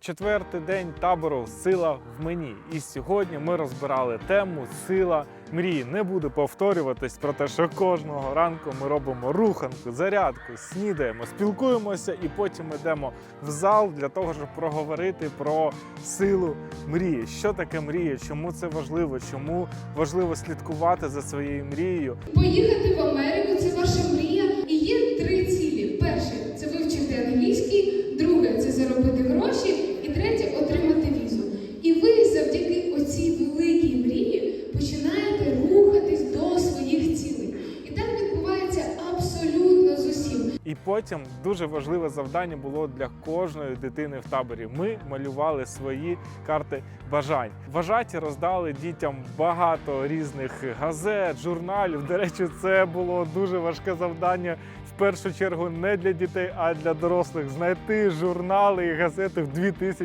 Четвертий день табору «Сила в мені». І сьогодні ми розбирали тему «Сила мрії». Не буду повторюватись про те, що кожного ранку ми робимо руханку, зарядку, снідаємо, спілкуємося і потім йдемо в зал для того, щоб проговорити про силу мрії. Що таке мрія, чому це важливо, чому важливо слідкувати за своєю мрією. Поїхати в Америку – це ваша мрія. І є 3 цілі. Перше – це вивчити англійський, друге – це заробити гроші, і третє – отримати візу. І ви завдяки оцій великій мрії починаєте рухатись до своїх цілей. І так відбувається абсолютно з усім. І потім дуже важливе завдання було для кожної дитини в таборі. Ми малювали свої карти бажань. Вважаті роздали дітям багато різних газет, журналів. До речі, це було дуже важке завдання. В першу чергу не для дітей, а для дорослих. Знайти журнали і газети в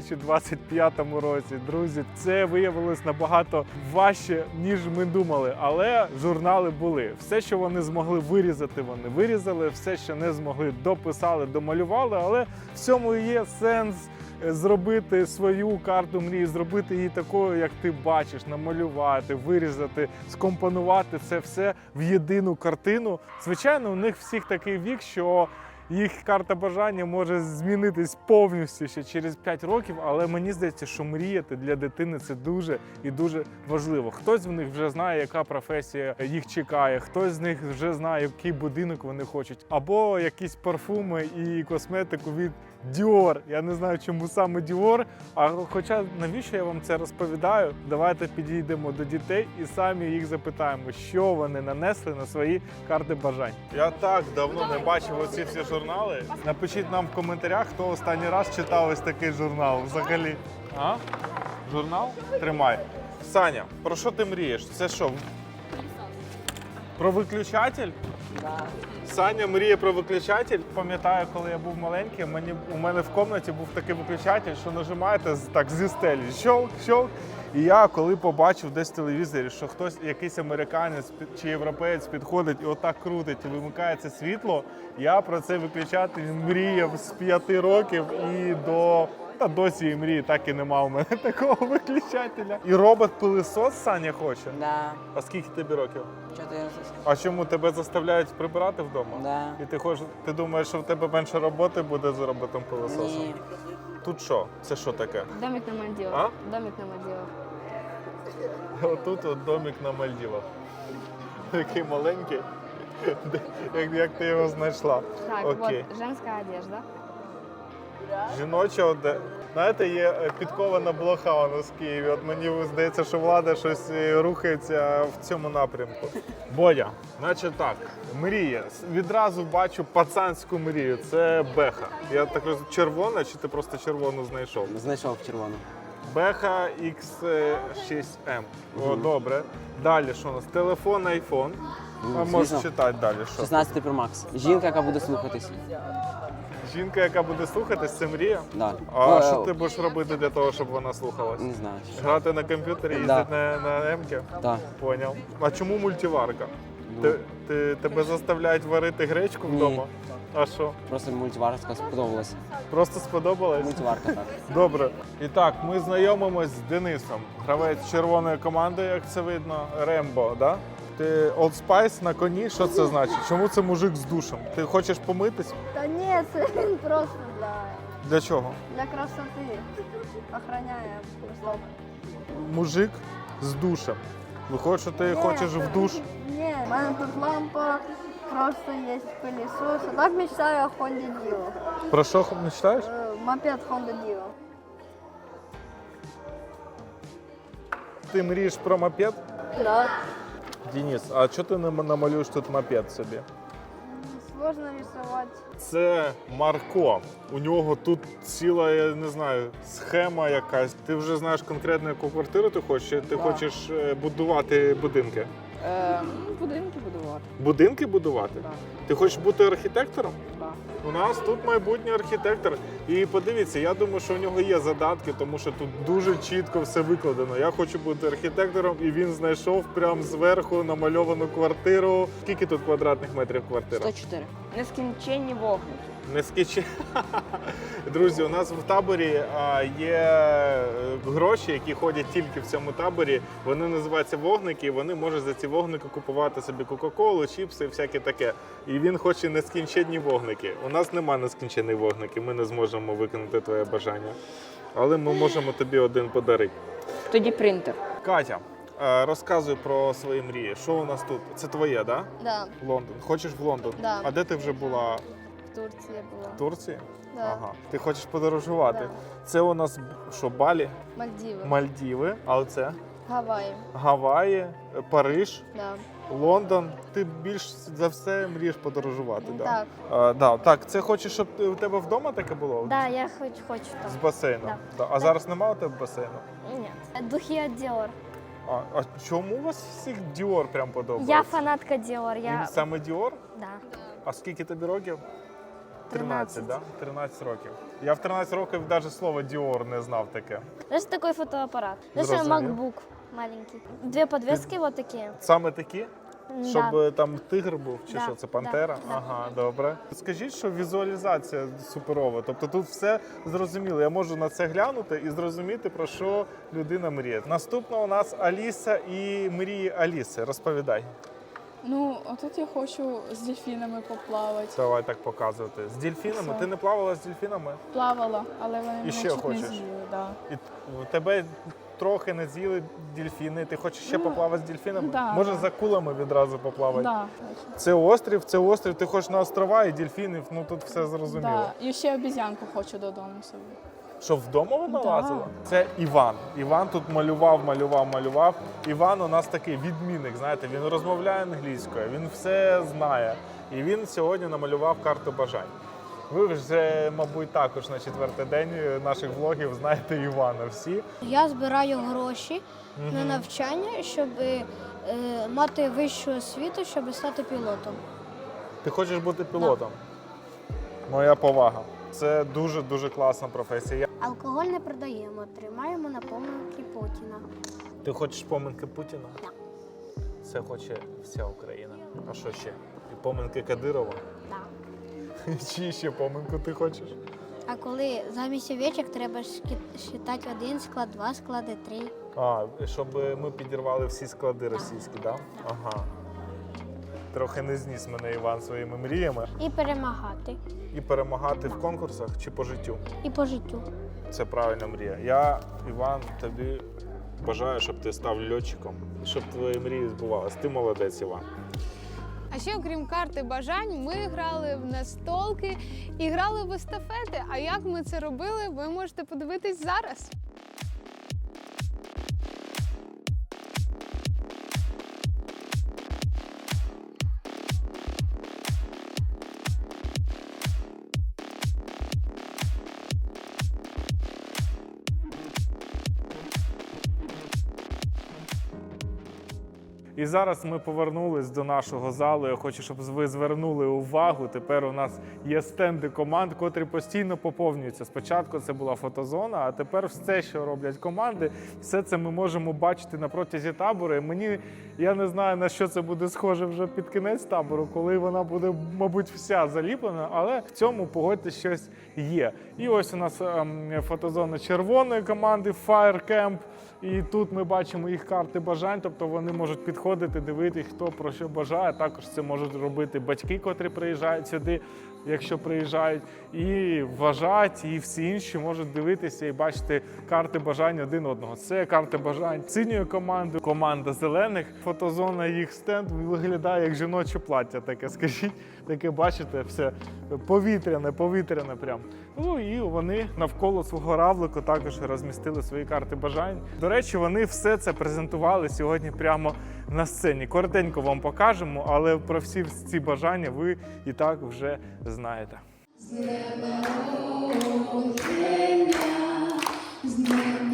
2025 році. Друзі, це виявилось набагато важче, ніж ми думали. Але журнали були. Все, що вони змогли вирізати, вони вирізали. Все, що не змогли, дописали, домалювали. Але в цьому і є сенс зробити свою карту мрії, зробити її такою, як ти бачиш, намалювати, вирізати, скомпонувати це все в єдину картину. Звичайно, у них всіх такий вік, що їх карта бажання може змінитись повністю ще через 5 років, але мені здається, що мріяти для дитини – це дуже і дуже важливо. Хтось з них вже знає, яка професія їх чекає, хтось з них вже знає, який будинок вони хочуть, або якісь парфуми і косметику від Dior. Я не знаю, чому саме Dior, а хоча навіщо я вам це розповідаю? Давайте підійдемо до дітей і самі їх запитаємо, що вони нанесли на свої карти бажань. Я так давно не бачив оці всі журнали. Напишіть нам в коментарях, хто останній раз читав ось такий журнал взагалі. А? Журнал? Тримай. Саня, про що ти мрієш? Це що? Про виключатель? Да. Саня мріє про виключатель. Пам'ятаю, коли я був маленький, у мене в кімнаті був такий виключатель, що нажимаєте так зі стелі. Щолк, щолк. І я коли побачив десь в телевізорі, що хтось, якийсь американець чи європеєць підходить і отак крутить і вимикається світло, я про цей виключатель мріяв з 5 років і досі і мрії, так і нема у мене такого виключателя. І робот-пилисос Саня хоче? Да. А скільки тобі років? 14. А чому тебе заставляють прибирати вдома? Да. І ти думаєш, що в тебе менше роботи буде з роботом-пилососом? Ні. Тут що? Це що таке? Домик на Мальдивах. А? Домик на Мальдивах. Отут от домик на Мальдівах. Такий маленький. Як ти його знайшла? Так, Окей. вот женская одежда. Жіноча знаєте, є підкована блоха у нас в Києві. От мені здається, що влада щось рухається в цьому напрямку. Бодя, значить так, мрія. Відразу бачу пацанську мрію. Це беха. Я так розумію, червона, чи ти просто червону знайшов? Знайшов червону. Беха X6M. О, добре. Далі що у нас? Телефон, iPhone. А можеш звісно. читати далі, що? 16 Pro Max. Жінка, яка буде слухатись. Жінка, яка буде слухатись, це мрія? Да. А що ти будеш робити для того, щоб вона слухалась? Не знаю. Грати на комп'ютері, їздити на М-ки? Да. Поняв. А чому мультиварка? Ну. Тебе заставляють варити гречку Ні. вдома? А що? Просто мультиварка сподобалась. Просто сподобалось? Мультиварка, так. Добре. І так, ми знайомимось з Денисом. Гравець червоної команди, як це видно. Рембо, да? Ти Old Spice на коні, що це значить? Чому це мужик з душем? Ти хочеш помитись? Та ні, це він просто Для чого? для красоти. Охороняє просто. Мужик з душем. Виходить, що ти хочеш в душ? Ні, в мене тут лампа, просто є пилісос. А так мечтаю о Honda Dio. Про що мечтаєш? Мопед Honda Dio. Ти мрієш про мопед? Да. Денис, а чого ти не намалюєш тут мопед собі? Сложно рисувати. Це Марко. У нього тут ціла, я не знаю, схема якась. Ти вже знаєш конкретно, яку квартиру ти хочеш? Чи ти хочеш будувати будинки? Будинки будувати. Будинки будувати? Так. Ти хочеш бути архітектором? Так. У нас тут майбутній архітектор. І подивіться, я думаю, що у нього є задатки, тому що тут дуже чітко все викладено. Я хочу бути архітектором, і він знайшов прямо зверху намальовану квартиру. Скільки тут квадратних метрів квартира? 104. Нескінченні вогники. Нескінченні. Друзі, у нас в таборі є гроші, які ходять тільки в цьому таборі. Вони називаються вогники, і вони можуть за ці вогники купувати собі кока-колу, чіпси, всяке таке. І він хоче нескінченні вогники. У нас немає нескінченних вогників, ми не зможемо виконати твоє бажання. Але ми можемо тобі один подарити. Тоді принтер. Катя, розказуй про свої мрії. Що у нас тут? Це твоє, да? Да, Лондон. Хочеш в Лондон? Да. А де ти вже була? в Турции была. В Турції? Да. Ага. Ти хочеш подорожувати? Да. Це у нас що, Балі, Мальдивы. Мальдіви, а оце Гавайи. Гаваї, Париж, Да. Лондон. Ти більш за все мрієш подорожувати, да? Так. Так, це хочеш, щоб у тебе вдома таке було? Да, я хочу З там. басейном? Да. Да. А зараз немає у тебе басейну? Нет. Духи от Dior. А чому у вас всіх Dior прям подобається? Я фанатка Dior. І саме Dior? Да. А скільки тобі років? 13. да? 13 років. Я в 13 років навіть слово Dior не знав таке. Знаешь, такой фотоаппарат. Знаешь, Зрозумів. MacBook маленький. Две подвески вот такие. Саме такі? Щоб Да. там тигр був, чи Да, що це пантера? да, да. Ага, добре. Скажіть, що візуалізація суперова. Тобто тут все зрозуміло. Я можу на це глянути і зрозуміти, про що людина мріє. Наступна у нас Аліса і мрії Аліси. Розповідай. Ну, а тут я хочу з дельфінами поплавати. Давай так показувати. З дельфінами? Все. Ти не плавала з дельфінами? Плавала, але вони мене ще чуть хочеш? не з'їли. Да. І тебе трохи не з'їли дельфіни. Ти хочеш ще Ну, поплавати з дельфінами? да. Може за кулами відразу поплавати? Да, точно. Це острів, ти хочеш на острова і дельфінів, ну тут все зрозуміло. Да. І ще обізянку хочу додому собі. Що, вдома вона Да. лазила? Це Іван. Іван тут малював. Іван у нас такий відмінник, знаєте, він розмовляє англійською, він все знає. І він сьогодні намалював карту бажань. Ви вже, мабуть, також на 4-й день наших влогів знаєте Івана всі. Я збираю гроші на навчання, щоб мати вищу освіту, щоб стати пілотом. Ти хочеш бути пілотом? Моя повага. Це дуже-дуже класна професія. Алкоголь не продаємо, тримаємо на помилки Путіна. Ти хочеш поминки Путіна? Так. Це хоче вся Україна. А що ще? І поминки Кадирова? Так. Чи ще поминку ти хочеш? А коли замість овечок треба считати 1 склад, 2 склади, 3. А, щоб ми підірвали всі склади російські, так? Да? Ага. Трохи не зніс мене Іван своїми мріями. І перемагати. І перемагати в конкурсах чи по життю. І по життю. Це правильна мрія. Я, Іван, тобі бажаю, щоб ти став льотчиком і щоб твої мрії збувалися. Ти молодець, Іван. А ще, окрім карти бажань, ми грали в настолки і грали в естафети. А як ми це робили, ви можете подивитись зараз. І зараз ми повернулись до нашого залу. Я хочу, щоб ви звернули увагу. Тепер у нас є стенди команд, котрі постійно поповнюються. Спочатку це була фотозона, а тепер все, що роблять команди, все це ми можемо бачити на протязі табору. І я не знаю, на що це буде схоже вже під кінець табору, коли вона буде, мабуть, вся заліплена, але в цьому, погодьтесь, щось є. І ось у нас фотозона червоної команди Fire Camp. І тут ми бачимо їх карти бажань, тобто вони можуть підходити, дивитися, хто про що бажає. Також це можуть робити батьки, котрі приїжджають сюди, якщо приїжджають, і вважають, і всі інші можуть дивитися і бачити карти бажань один одного. Це карти бажань синьої команди, команда зелених. Фотозона, їх стенд виглядає як жіноче плаття таке, скажіть. Таке, бачите, все повітряне прям. Ну і вони навколо свого равлику також розмістили свої карти бажань. До речі, вони все це презентували сьогодні прямо на сцені. Коротенько вам покажемо, але про всі ці бажання ви і так вже знаєте. З днем народження, з днем